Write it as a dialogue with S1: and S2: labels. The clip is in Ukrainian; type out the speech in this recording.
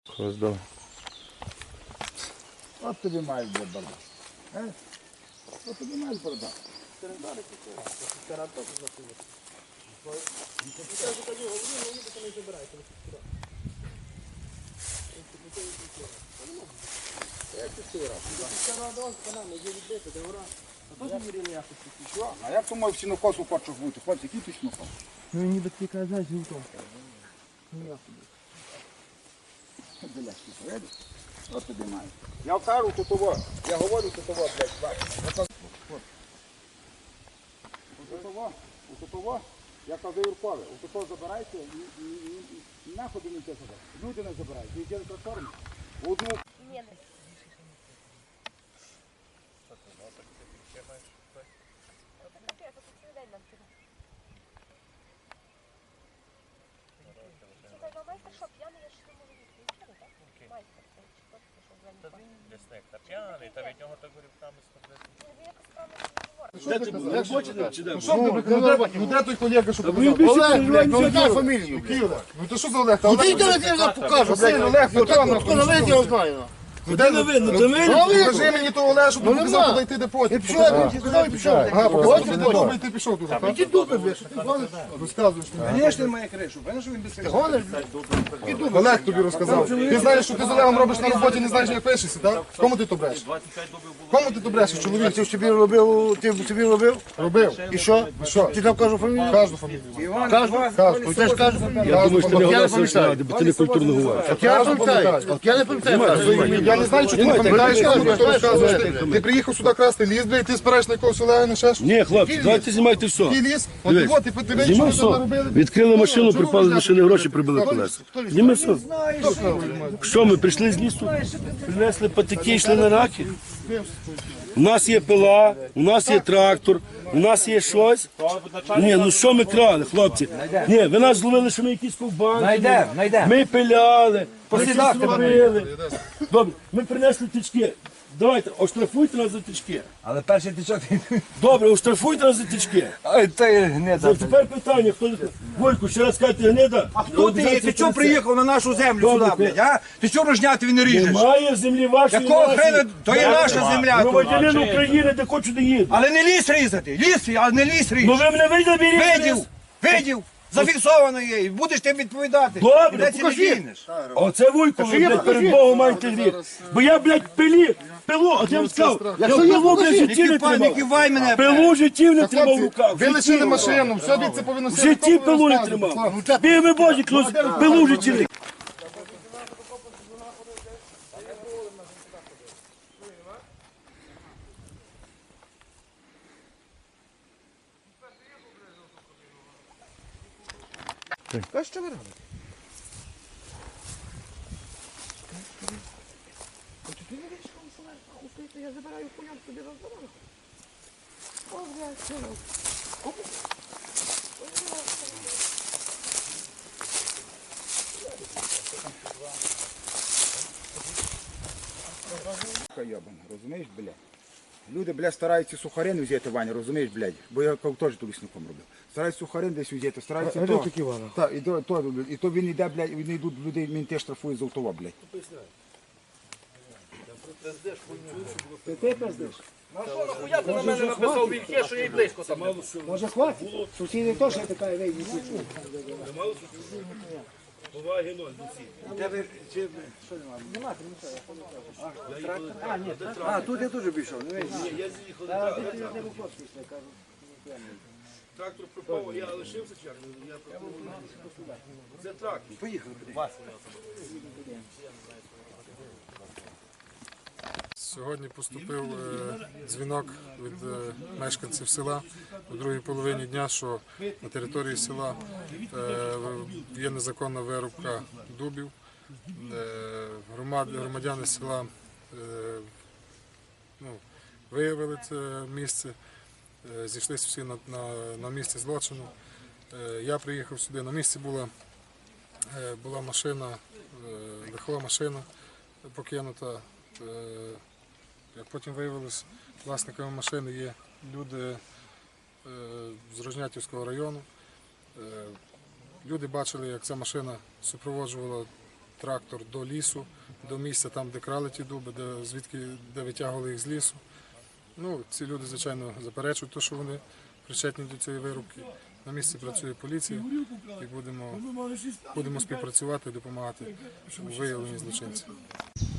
S1: Роздав.
S2: От тобі маєш бардак. От тобі маєш бардак. А як то мой сінокосу хочеш бути? Хлопці, який ти сінокос?
S3: Ну ніби ти казав, що там.
S2: От тобі маєш. Я кажу тут, я говорю тут, блядь, Отого, я кажу Юркове, отого забирайте і нахуй не те сюди. Люди не забирають, ви йдете трактором. Одну.
S4: Ну де той колега, що показав? Олег, блядь, ну яка фамілія? Який Олег? Ну то що за Олег?
S3: Ну ти йди, я вам покажу.
S4: Блядь, Олег, ну то
S3: Хто на вид, я знаю.
S4: Де не видно? Ти видно? Покажи мені того Олега, щоб ти показав, куди йти, де потім.
S3: Ти пішов, я сказав, і пішов.
S4: Ага, показав, тобі де добре, і ти пішов туди, так?
S3: Які дуби, блядь, що ти гониш?
S4: Розказуєш мені.
S3: Звісно, має кришу, бачиш, що він без кришу. Гониш, блядь.
S4: Олег тобі розказав. Ти знаєш, що ти з Олегом робиш на роботі, не знаєш, як пишешся, так? Кому ти то брешеш? Кому ти то брешеш, чоловік?
S3: Ти собі робив,
S4: Робив.
S3: І що?
S4: Що?
S3: Ти там кажу фамілію?
S4: Кажу фамілію.
S3: Кажу?
S4: Кажу.
S3: Ти ж кажеш фамілію.
S4: Я
S3: От
S4: думаю,
S3: я не пам'ятаю.
S1: бо ти не культурно говориш.
S3: От я не пам'ятаю. От я не пам'ятаю.
S4: Я не знаю, що ти не пам'ятаєш, кому ти то розказуєш. Ти приїхав сюди красти ліс, блядь, ти спираєш на якогось Олега, на ще щось.
S1: Ні, хлопці, давайте знімайте все.
S4: Який ліс? От
S1: Дивись.
S4: от, ти подивись, що
S1: Знімай
S4: ви
S1: все.
S4: тут наробили.
S1: Відкрили машину, припали з машини гроші, прибили колеса. Зніми все. Що, ми прийшли з лісу, принесли патики, йшли на раки? У нас є пила, у нас є трактор, у нас є щось. Ні, ну що ми крали, хлопці? Ні, ви нас зловили, що ми якісь ковбанки. Ми пиляли, ми щось робили. Добре, ми принесли тички. Давайте, оштрафуйте нас за тички.
S3: Але перший тичок...
S1: Добре, оштрафуйте нас за тички.
S3: Ой, ти гнида.
S1: Тепер питання, хто... Войку, ще раз кажете, гнида?
S5: А хто ти є? Ти чого приїхав на нашу землю
S1: Добре,
S5: сюди, блядь, а? Ти чого рожняти він не ріжеш?
S1: Немає землі вашої.
S5: Якого
S1: нашої.
S5: хрена? То є наша земля тут.
S1: Громадянин України, де хочу, де їду.
S5: Але не ліс різати, ліс, але не ліс
S1: Ну
S5: ріж.
S1: ви мене видів,
S5: Видів, зафіксовано є, і будеш ти відповідати.
S1: Добре,
S5: І де ти не дінеш?
S1: Оце Вуйко, ви, блядь, перед Богом маєте гріх. Бо я, блядь, пилу, от я вам сказав, я пилу, блядь, в житті не
S5: Не кивай
S1: тримав.
S5: мене.
S1: Пилу в житті не тримав в
S4: Хлопці,
S1: руках.
S4: ви лишили машину, все від це повинно
S1: В житті пилу не тримав. Бій Божі, клус, пилу в житті не.
S3: Що ви робите? Ти не віриш, що ви стоїте, я забираю хуям собі роздаваю. О, блядь, що робите?
S2: Йобан, розумієш, блядь? Люди, блядь, стараються сухарин взяти, Ваня, розумієш, блядь? Бо я теж тут лісником робив. Стараються сухарин десь взяти, стараються то. Так, і то він йде, блядь, він йдуть людей, він теж штрафує з автова, блядь. Ти пиздиш?
S5: Я на мене написав вільке, що я й близько там.
S3: Може хватить? Сусіди теж така вийде.
S1: Поваги ноль,
S3: А, тут я теж пішов.
S1: Трактор пропав, я лишився чергу. Це трактор.
S3: Поїхали.
S4: Сьогодні поступив дзвінок від мешканців села у другій половині дня, що на території села є незаконна вирубка дубів. Громадяни села виявили це місце, зійшлися всі на місці злочину. Я приїхав сюди, на місці була машина, легкова машина покинута. Як потім виявилось, власниками машини є люди з Рожнятівського району. Люди бачили, як ця машина супроводжувала трактор до лісу, до місця там, де крали ті дуби, де витягували їх з лісу. Ну, ці люди, звичайно, заперечують те, що вони причетні до цієї вирубки. На місці працює поліція і будемо співпрацювати і допомагати у виявленні злочинців.